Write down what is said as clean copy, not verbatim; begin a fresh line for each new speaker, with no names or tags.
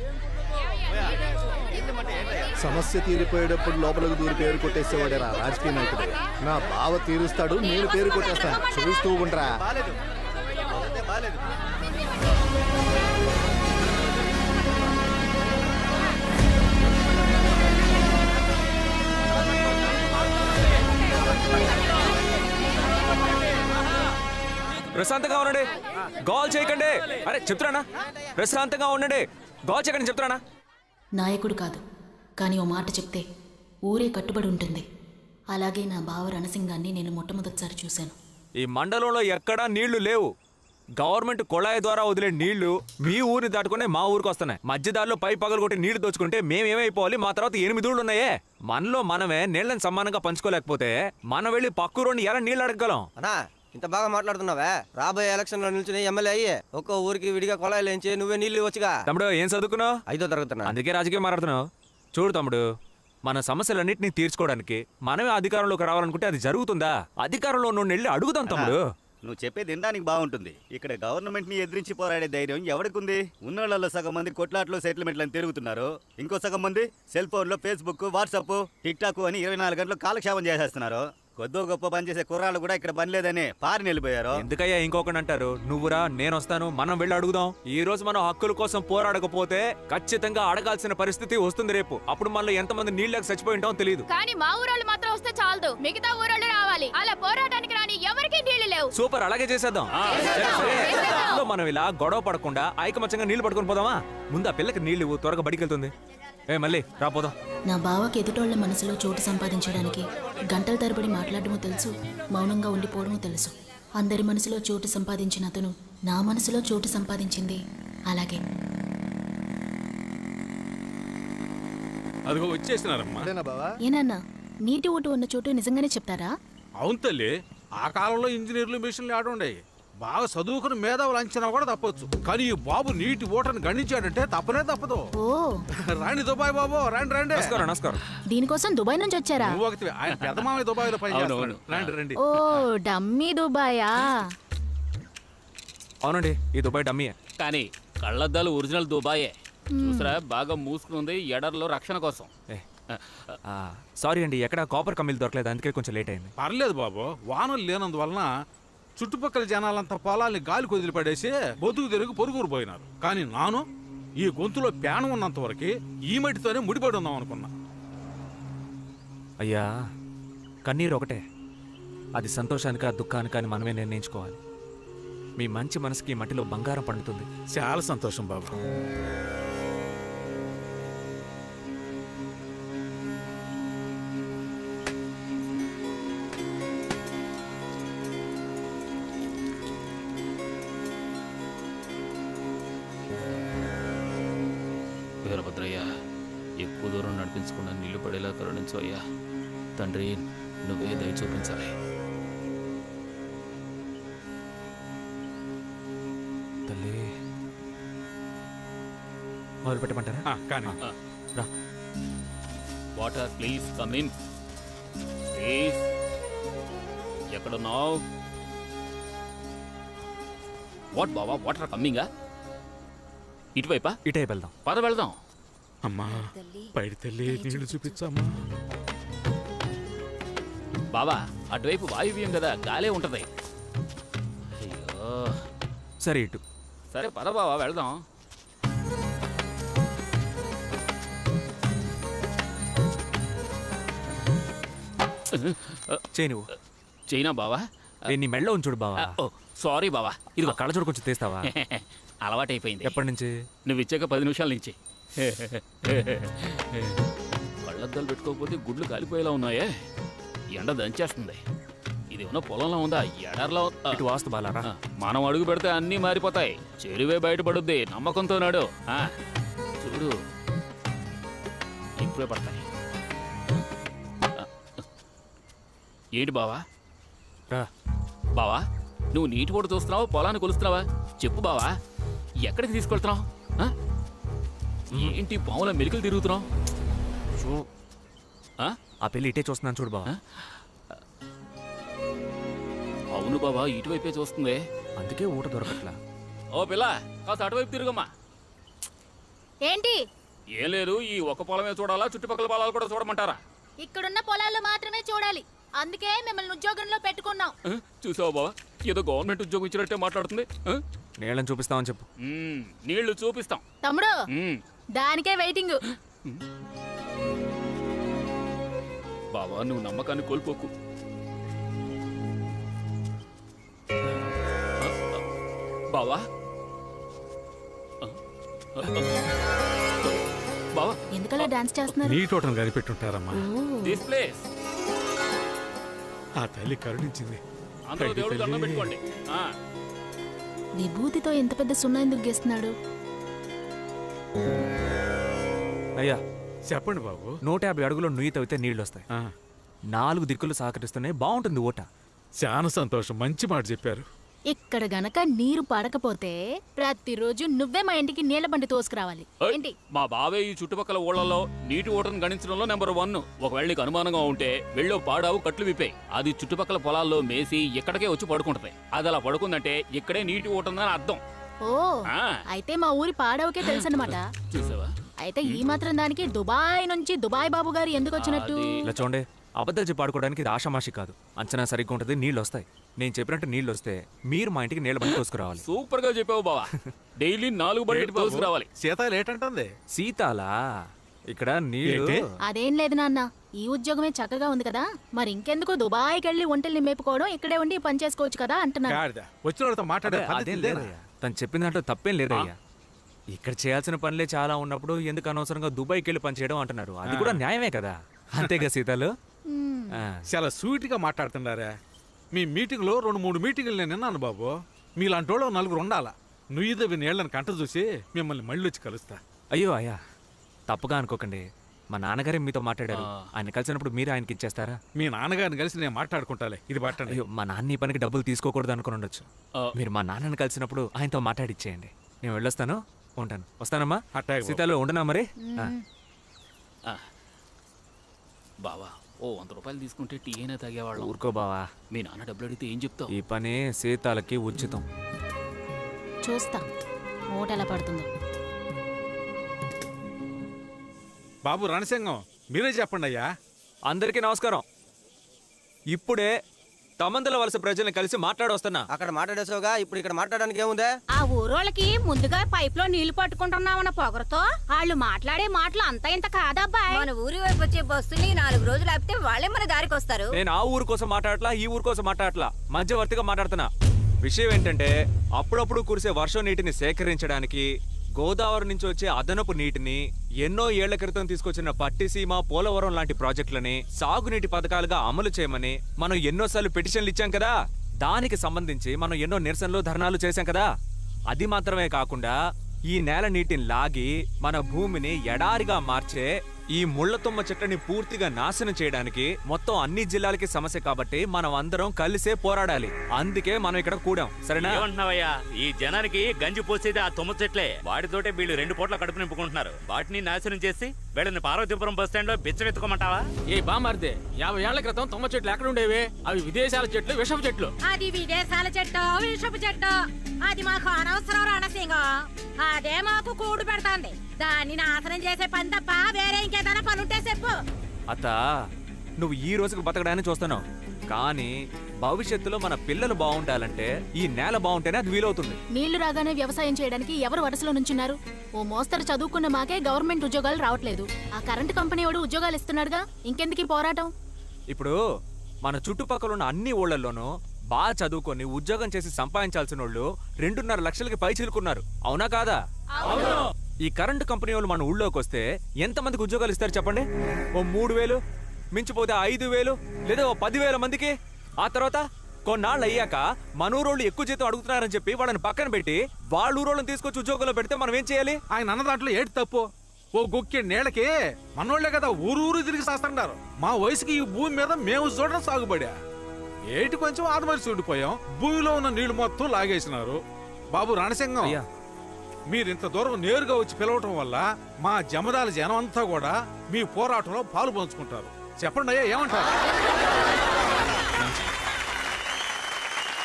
సమస్య తీరిపోయేటప్పుడు లోపలికి దూరి పేరు కొట్టేసేవాడేరా రాజకీయ నాయకుడు. నా బావ తీరుస్తాడు, నేను పేరు కొట్టేస్తాను. చూస్తూ ఉండరా.
ప్రశాంతంగా ఉండండి, గోల్ చేయకండి. అరే చెప్తున్నానా, ప్రశాంతంగా ఉండండి, గోల్ చేయకండి చెప్తున్నానా.
నాయకుడు కాదు, కానీ ఓ మాట చెప్తే ఊరే కట్టుబడి ఉంటుంది. అలాగే నా బావ రణసింగాన్ని నేను మొట్టమొదటిసారి చూశాను.
ఈ మండలంలో ఎక్కడా నీళ్లు లేవు. గవర్నమెంట్ కొళాయి ద్వారా వదిలే నీళ్లు మీ ఊరిని దాటుకునే మా ఊరికి వస్తున్నాయి. మధ్యదారిలో పై పగలు కొట్టి నీళ్లు దోచుకుంటే మేమేమైపోవాలి? మా తర్వాత 8 ఊళ్ళు ఉన్నాయే. మనలో మనమే నీళ్ళని సమానంగా పంచుకోలేకపోతే మనం వెళ్ళి పక్కూరుని ఎలా నీళ్ళు అడగగలం?
ఇంత బాగా మాట్లాడుతున్నావా? రాబోయే ఎలక్షన్ లో నిల్చుని ఎమ్మెల్యే అయ్యి ఒక్కో ఊరికి విడిగా కొలాయిలు వేయించి నువ్వే నీళ్లు ఇవ్వచ్చుగా.
తమ్ముడు ఏం చదువుకున్నావు?
5వ తరగతి.
అందుకే రాజకీయం మాట్లాడుతున్నావు. చూడు తమ్ముడు, మన సమస్యలన్నింటినీ తీర్చుకోవడానికి మనమే అధికారంలోకి రావాలనుకుంటే అది జరుగుతుందా? అధికారంలో నుండి వెళ్ళి అడుగుదాం తమ్ముడు.
నువ్వు చెప్పేది వినడానికి బాగుంటుంది. ఇక్కడ గవర్నమెంట్ ని ఎదిరించి పోరాడే ధైర్యం ఎవరికుంది? ఉన్నోళ్ళలో సగం మంది కొట్లాట్లు సెటిల్మెంట్లను తిరుగుతున్నారు. ఇంకో సగం మంది సెల్ ఫోన్ లో ఫేస్బుక్, వాట్సాప్, టిక్ టాక్ అని 24 గంటలు కాలక్షేపం చేసేస్తున్నారు. కొద్దో గొప్ప పనిచేసే కుర్రాళ్ళు కూడా ఇక్కడ పని లేదని పారిని వెళ్ళిపోయారు.
ఎందుకయ్యా ఇంకొకటి అంటారు? నువ్వురా, నేను వస్తాను, మనం వెళ్ళి అడుగుదాం. ఈ రోజు మనం హక్కుల కోసం పోరాడకపోతే ఖచ్చితంగా అడగాల్సిన పరిస్థితి వస్తుంది రేపు. అప్పుడు మనలో ఎంతమంది నీళ్ళకి చచ్చిపోయి ఉంటామో తెలియదు.
కానీ మా ఊరోళ్ళు మాత్రం వస్తే చాలదు, మిగతా ఊరోళ్ళు రావాలి. అలా పోరాటానికి రాని ఎవరికి నీళ్లు లేవు.
సూపర్, అలాగే చేసేద్దాం. సరే, మనం ఇలా గొడవ పడకుండా ఐకమత్యంగా నీళ్లు పట్టుకుని పోదామా? ముందు ఆ పిల్లకి నీళ్లు త్వరగా బడికి వెళ్తుంది. మళ్ళీ రాపోదాం.
నా బావకి ఎదుటోళ్ల మనసులో చోటు సంపాదించడానికి గంటల తరబడి మాట్లాడటమూ తెలుసు, మౌనంగా ఉండిపోవడమూ తెలుసు. అందరి మనసులో చోటు సంపాదించిన అతను నా మనసులో చోటు సంపాదించింది అలాగే.
అదిగో వచ్చేసినారమ్మా.
ఏనన్నా, నీటి ఊటు ఉన్న చోటు నిజంగానే చెప్తారా?
అవును తల్లి, ఆ కాలంలో ఇంజనీర్లు మిషన్లు ఆడుండే. బాగా చదువుకుని మేధావులు అంచనా కూడా తప్పొచ్చు, కానీ ఈ బాబు నీటి ఓటను గణించాడంటే తప్పనే తప్పదు.
ఓ
రాండి దుబాయ్ బాబు, రండి రండి.
నమస్కారం.
దీనికోసం దుబాయ్ నుంచి వచ్చారా?
నువ్వు ఒకటి, ఆయన పెద్దమామయ్య దుబాయ్ లో పనిచేస్తున్నాడు. రండి రండి.
ఓ డమ్మీ దుబాయా?
అవునండి, ఈ దుబాయ్ డమ్మీయే.
కానీ కళ్ళద్దాలు ఒరిజినల్ దుబాయే. చూసరా, బాగా మూసుకుంది ఎడర్లో రక్షణ కోసం.
సారీ అండి, ఎక్కడ కాపర్ కమ్మీలు దొరకలేదు, అందుకే కొంచెం లేట్ అయింది.
పర్లేదు బాబు, వానలు లేనందువలన చుట్టుపక్కల జనాలంతా పొలాల్ని గాలి కొదిలిపడేసి బతుకు తిరిగి పొరుగురు పోయినారు. కానీ నాను ఈ గొంతులో ప్యానం ఉన్నంత వరకు ఈ మట్టితోనే ముడిపడి ఉందాం అనుకున్నా.
అయ్యా, కన్నీరు ఒకటే, అది సంతోషానికా దుఃఖానికా అని మనమే నిర్ణయించుకోవాలి. మీ మంచి మనసుకి మట్టిలో బంగారం పండుతుంది.
చాలా సంతోషం బాబు.
వీరభద్రయ్య, ఎక్కువ దూరం నడిపించకుండా నీళ్లు పడేలా కరుణించు అయ్యా. తండ్రి, నువ్వే దయ చూపించాలి.
తల్లి, మొదలు పెట్టమంటారా?
కానీ
రా.
Water please come in please. ఎక్కడున్నావు? వాట్ బావా, వాటర్ కమ్మింగా? ఇటువైపా?
ఇటే వెళ్దాం.
పద వెళ్దాం.
అమ్మా, పైడి తల్లి నీళ్లు చూపించమ్మా.
బావా, అటువైపు వాయువ్యం కదా, గాలే ఉంటది. అయ్యో,
సరే ఇటు.
సరే పద బావా వెళ్దాం.
చేయి నువ్వు.
చైనా బావా?
నీ మెళ్ళో ఉంచుడు బావా.
ఓ సారీ బావా. ఇదిగో
కళ్ళజోడు కొంచెం తీస్తావా?
అలవాటైపోయింది.
ఎప్పటి నుంచి?
నువ్వు ఇచ్చాక 10 నిమిషాల నుంచి. కళ్ళద్దాలు పెట్టుకోకపోతే గుడ్లు కాలిపోయేలా ఉన్నాయే. ఎండ దంచేస్తుంది. ఇది ఉన్న పొలంలో ఉందా, ఎడర్లో?
ఇటు వాస్తు బాలారా.
మనం అడుగు పెడితే అన్నీ మారిపోతాయి. చెరువే బయటపడుద్ది, నమ్మకంతో నాడు. చూడు, ఇప్పుడే పడతాయి. ఏంటి బావా? బావా, నువ్వు నీటి ఓటు చూస్తున్నావా, పొలాన్ని కొలుస్తున్నావా? చెప్పు బావా, ఎక్కడికి తీసుకెళ్తున్నావు? ఏంటి పాముల మెలికలు తిరుగుతున్నావు?
ఆ పెళ్లి ఇటే చూస్తున్నాను చూడు బావా.
అవును బావా, ఇటువైపే చూస్తుంది.
అందుకే ఊట దొరకట్లా.
ఓ పిల్ల, కాస్త అటువైపు తిరుగమ్మా.
ఏంటి
ఏం లేదు, ఈ ఒక్క పొలమే చూడాలా, చుట్టుపక్కల పొలాలు కూడా చూడమంటారా?
ఇక్కడున్న పొలాలు మాత్రమే చూడాలి. అందుకే మిమ్మల్ని ఉద్యోగంలో పెట్టుకున్నాం.
చూసావా బావా, ఏదో గవర్నమెంట్ ఉద్యోగం ఇచ్చినట్టే మాట్లాడుతుంది.
నీళ్ళని చూపిస్తామని చెప్పు.
నీళ్లు చూపిస్తాం.
తమ్ముడు దానికే వెయిటింగ్.
బావా, నువ్వు నమ్మకాన్ని కోల్పోకు. బావా బావా,
ఎందుకలా డాన్స్ చేస్తున్నారు?
నీటోటం కనిపెట్టుంటారమ్మా.
This place.
ఆ తల్లి కరుణించింది.
అందరూ దేవుడు దండం పెట్టుకోండి.
విభూతితో ఎంత పెద్ద సున్నా ఎందుకు గేస్తున్నాడు?
అయ్యా,
చెప్పండి బాబు.
150 అడుగులో నుయ్యి తవ్వితే నీళ్ళు వస్తాయి. 4 దిక్కులు సహకరిస్తూనే బాగుంటుంది ఓట.
చాలా సంతోషం, మంచి మాట చెప్పారు.
ఇక్కడ గనక నీరు పడకపోతే ప్రతిరోజు నువ్వే మా ఇంటికి నీళ్ల బండి తోసుకురావాలి. ఏంటి?
మా బావే ఈ చుట్టుపక్కల ఊళ్ళలో నీటి ఓటను గణించడంలో నెంబర్ 1. ఒకవేళ నీకు అనుమానంగా ఉంటే వెళ్ళో పాడావు కట్లు విప్పాయి. అది చుట్టుపక్కల పొలాల్లో మేసి ఇక్కడికే వచ్చి పడుకుంటది. అది అలా పడుకుందంటే ఇక్కడే నీటి ఓటుందని అర్థం.
ఓ, అయితే మా ఊరి పాడవకే తెలుసన్నమాట.
చూసావా?
అయితే ఈ మాత్రం దానికి దుబాయ్ నుంచి దుబాయ్ బాబు గారు ఎందుకు వచ్చినట్టు?
ఇలా చూడండి, అబద్ధాలు చెప్పి ఆడుకోవడానికి ఇది ఆషామాషి కాదు. అంచనా సరిగ్గా ఉంటుంది, నీళ్ళు వస్తాయి. నేను చెప్పినట్టు నీళ్ళు వస్తే మీరు మా ఇంటికి నీళ్ళ బండి తోసుకురావాలి.
సూపర్ గా చెప్పావు బావా. డైలీ 4 బండి తోసుకురావాలి.
సీత లేటంటుంది.
సీతాలా? ఇక్కడ నీళ్ళు
ఏంటి?
అదేం లేదు నాన్న, ఈ ఉద్యోగమే చక్కగా ఉంది కదా, మరి ఇంకెందుకు దుబాయ్కి వెళ్ళి ఒంటల్ని మేపుకోవడం, ఇక్కడే ఉండి పని చేసుకోవచ్చు కదా అంటున్నాను.
గాడిద. వచ్చిన వాళ్ళతో మాట్లాడే
అదే,
పద్ధతి
అదేం
ఇదేనా?
లేదయ్యా. తను చెప్పిన దాంట్లో తప్పేం లేదయ్యా. ఇక్కడ చేయాల్సిన పనులే చాలా ఉన్నప్పుడు ఎందుకు అనవసరంగా దుబాయ్కి వెళ్ళి పని చేయడం అంటున్నారు. అది కూడా న్యాయమే కదా. అంతేగా సీతాలు? ఆ.
చాలా స్వీట్ గా మాట్లాడుతున్నారా? మీ మీటింగ్ లో 2-3 మీటింగ్లు నేను విన్నాను బాబు. మీలాంటి వాళ్ళు 4 ఉండాలా. నుయ్యిదవి నీళ్ళని కంట చూసి మిమ్మల్ని మళ్ళీ వచ్చి కలుస్తా.
అయ్యో అయ్యా, తప్పుగా అనుకోకండి. మా నాన్నగారే మీతో మాట్లాడారు. ఆయన కలిసినప్పుడు మీరు ఆయనకి ఇచ్చేస్తారా?
మీ నాన్నగారిని కలిసి నేను మాట్లాడుకుంటాలే. ఇది పట్టండి.
అయ్యో, మా నాన్న ఈ పనికి డబ్బులు తీసుకోకూడదు అనుకుని ఉండొచ్చు. మీరు మా నాన్నని కలిసినప్పుడు ఆయనతో మాట్లాడిచ్చేయండి. నేను వెళ్ళొస్తాను, ఉంటాను. వస్తానమ్మా.
అట్టాగే బాబు.
సీతాలు ఉండనా మరి?
బావా, ఓ 100 రూపాయలు తీసుకుంటే టీ అయినా తాగేవాళ్ళం.
ఊరుకో బావా,
మీ నాన్న డబ్బులు అడిగితే ఏం చెప్తావు?
ఈ పని సీతాలకి ఉచితం.
చూస్తా ఓట ఎలా పడుతుందో.
బాబు రణసింగం, మీరే చెప్పండి అయ్యా.
అందరికీ నమస్కారం. ఇప్పుడే తమందల వలస ప్రజల్ని కలిసి మాట్లాడొస్తున్నా.
అక్కడ మాట్లాడేసావుగా, ఇప్పుడు ఇక్కడ మాట్లాడడానికి ఏముందే?
ఆ ఊరోళ్ళకి ముందుగా పైప్ లో నీళ్లు పట్టుకుంటున్నామన్న పొగరతో వాళ్ళు మాట్లాడే మాటలు అంత ఇంత కాదబ్బాయి.
మన ఊరి వైపు వచ్చే బస్సుని 4 రోజులు ఆపితే వాళ్ళే మన దారికి వస్తారు.
నేను ఆ ఊరు కోసం మాట్లాడట్లా, ఈ ఊరు కోసం మాట్లాడట్లా, మధ్యవర్తిగా మాట్లాడుతున్నా. విషయం ఏంటంటే, అప్పుడప్పుడు కురిసే వర్షం నీటిని సేకరించడానికి గోదావరి నుంచి వచ్చే అదనపు నీటిని ఎన్నో ఏళ్ల క్రితం తీసుకొచ్చిన పట్టిసీమ, పోలవరం లాంటి ప్రాజెక్టులని సాగునీటి పథకాలుగా అమలు చేయమని మనం ఎన్నోసార్లు పిటిషన్లు ఇచ్చాం కదా. దానికి సంబంధించి మనం ఎన్నో నిరసనలు, ధర్నాలు చేశాం కదా. అది మాత్రమే కాకుండా ఈ నేల నీటిని లాగి మన భూమిని ఎడారిగా మార్చే ఈ ముళ్లతుమ్మ చెట్లని పూర్తిగా నాశనం చేయడానికి మొత్తం అన్ని జిల్లాలకి సమస్య కాబట్టి మనం అందరం కలిసే పోరాడాలి. అందుకే మనం ఇక్కడ కూడాం. సరేనా?
ఏమంటున్నావయ్యా? ఈ జనానికి గంజి పోసేది ఆ తుమ్మ చెట్లే. వాటితోటే వీళ్ళు 2 పూట్ల కడుపు నింపుకుంటున్నారు. వాటిని నాశనం చేసి వీళ్ళని పార్వతీపురం బస్ స్టాండ్ లో బిచ్చమెత్తుకోమంటావా?
ఏ బామార్దే, 50 ఏళ్ల క్రితం తుమ్మ చెట్లు ఎక్కడ ఉండేవి? అవి విదేశాల చెట్లు, విషపు చెట్లు.
అది విదేశాల చెట్టు, విషపు చెట్టు. అది మాకు అనవసరం రణసింగం. అదే మాకు కూడు పెడతాంది. దాన్ని నాశనం చేసే పని తప్ప వేరే ఇంకేదైనా పనుంటే చెప్పు.
అత్త, నువ్వు ఈ రోజుకు బతకడాన్ని చూస్తున్నావు, కానీ భవిష్యత్తులో మన పిల్లలు బాగుండాలంటే ఈ నేల బాగుంటేనే అది వీలవుతుంది.
నీళ్లు రాగానే వ్యవసాయం చేయడానికి ఎవరు వరుసలో నుంచున్నారు? ఓ మోస్తరు చదువుకున్న మాకే గవర్నమెంట్ ఉద్యోగాలు రావట్లేదు. ఆ కరెంటు కంపెనీ వాడు ఉద్యోగాలు ఇస్తున్నాడుగా, ఇంకెందుకు ఈ పోరాటం?
ఇప్పుడు మన చుట్టుపక్కల ఉన్న అన్ని ఊళ్ళల్లోనూ బాగా చదువుకొని ఉద్యోగం చేసి సంపాదించాల్సిన వాళ్ళు 2.5 లక్షలకి పై చిలుకున్నారు. అవునా కాదా? ఈ కరెంటు కంపెనీ వాళ్ళు మన ఊళ్ళోకి వస్తే ఎంతమందికి ఉద్యోగాలు ఇస్తారు చెప్పండి? ఓ 3,000, మించిపోతే 5,000, లేదా ఓ 10,000 మందికి. ఆ తర్వాత కొన్నాళ్ళు అయ్యాక మన ఊరోళ్ళు ఎక్కువ జీతం అడుగుతున్నారని చెప్పి వాళ్ళని పక్కన పెట్టి వాళ్ళ ఊరోళ్ళని తీసుకొచ్చి ఉద్యోగంలో పెడితే మనం ఏం చేయాలి?
ఆయన అన్న దాంట్లో ఏంటి తప్పు? ఓ గుక్కి నీళ్ళకి మనోళ్లే కదా ఊరు తిరిగి చేస్తుంటారు. మా వయసుకి ఈ భూమి మీద మేము చూడడం సాగుబడా. ఏటి కొంచెం ఆదమరి చూడిపోయాం. భూమిలో ఉన్న నీళ్లు మొత్తం లాగేసినారు. బాబు రణసింగం, మీరింత దూరం నేరుగా వచ్చి పిలవటం వల్ల మా జమదాల జనం అంతా కూడా మీ పోరాటంలో పాలు పంచుకుంటారు. చెప్పండి అయ్యా, ఏమంటారు?